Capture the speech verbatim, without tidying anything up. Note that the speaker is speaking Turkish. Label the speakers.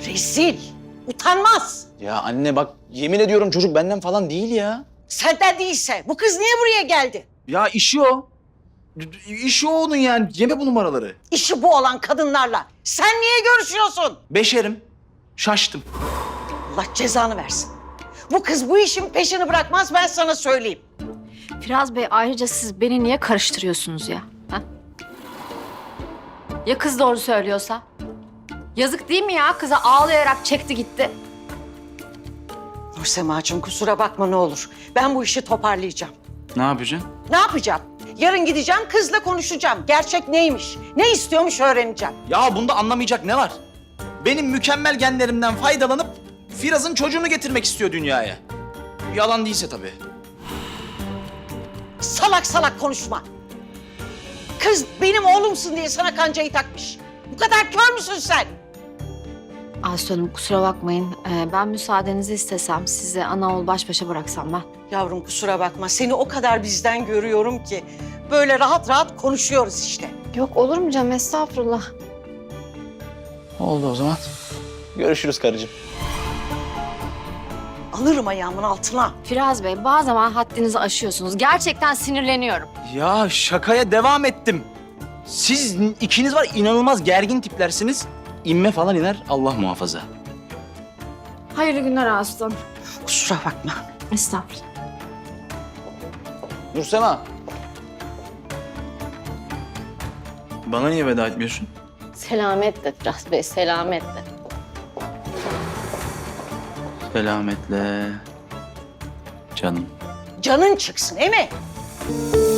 Speaker 1: Rezil, utanmaz.
Speaker 2: Ya anne bak yemin ediyorum çocuk benden falan değil ya.
Speaker 1: Senden değilse bu kız niye buraya geldi?
Speaker 2: Ya işi o. İşi o onun yani. Yeme bu numaraları.
Speaker 1: İşi bu olan kadınlarla sen niye görüşüyorsun?
Speaker 2: Beşerim. Şaştım.
Speaker 1: Allah cezanı versin. Bu kız bu işin peşini bırakmaz, ben sana söyleyeyim.
Speaker 3: Firaz Bey, ayrıca siz beni niye karıştırıyorsunuz ya? Ha? Ya kız doğru söylüyorsa? Yazık değil mi ya? Kıza ağlayarak çekti gitti.
Speaker 1: Nursemacığım kusura bakma ne olur. Ben bu işi toparlayacağım.
Speaker 2: Ne yapacaksın?
Speaker 1: Ne yapacağım? Yarın gideceğim, kızla konuşacağım. Gerçek neymiş, ne istiyormuş öğreneceğim.
Speaker 2: Ya bunda anlamayacak ne var? Benim mükemmel genlerimden faydalanıp Firaz'ın çocuğunu getirmek istiyor dünyaya. Yalan değilse tabii.
Speaker 1: Salak salak konuşma. Kız benim oğlumsun diye sana kancayı takmış. Bu kadar kör müsün sen?
Speaker 3: Aslı Hanım, kusura bakmayın. Ee, ben müsaadenizi istesem, sizi ana oğul baş başa bıraksam ben.
Speaker 1: Yavrum kusura bakma, seni o kadar bizden görüyorum ki. Böyle rahat rahat konuşuyoruz işte.
Speaker 3: Yok olur mu canım? Estağfurullah.
Speaker 2: Oldu o zaman. Görüşürüz karıcığım.
Speaker 1: Alırım ayağımın altına.
Speaker 3: Firaz Bey, bazı zaman haddinizi aşıyorsunuz. Gerçekten sinirleniyorum.
Speaker 2: Ya şakaya devam ettim. Siz ikiniz var inanılmaz gergin tiplersiniz. İnme falan iner Allah muhafaza.
Speaker 3: Hayırlı günler Aslı Hanım.
Speaker 1: Kusura bakma.
Speaker 3: Estağfurullah.
Speaker 2: Nursema. Bana niye veda etmiyorsun?
Speaker 3: Selametle Firaz Bey, selametle.
Speaker 2: Selametle. Canım.
Speaker 1: Canın çıksın, değil mi?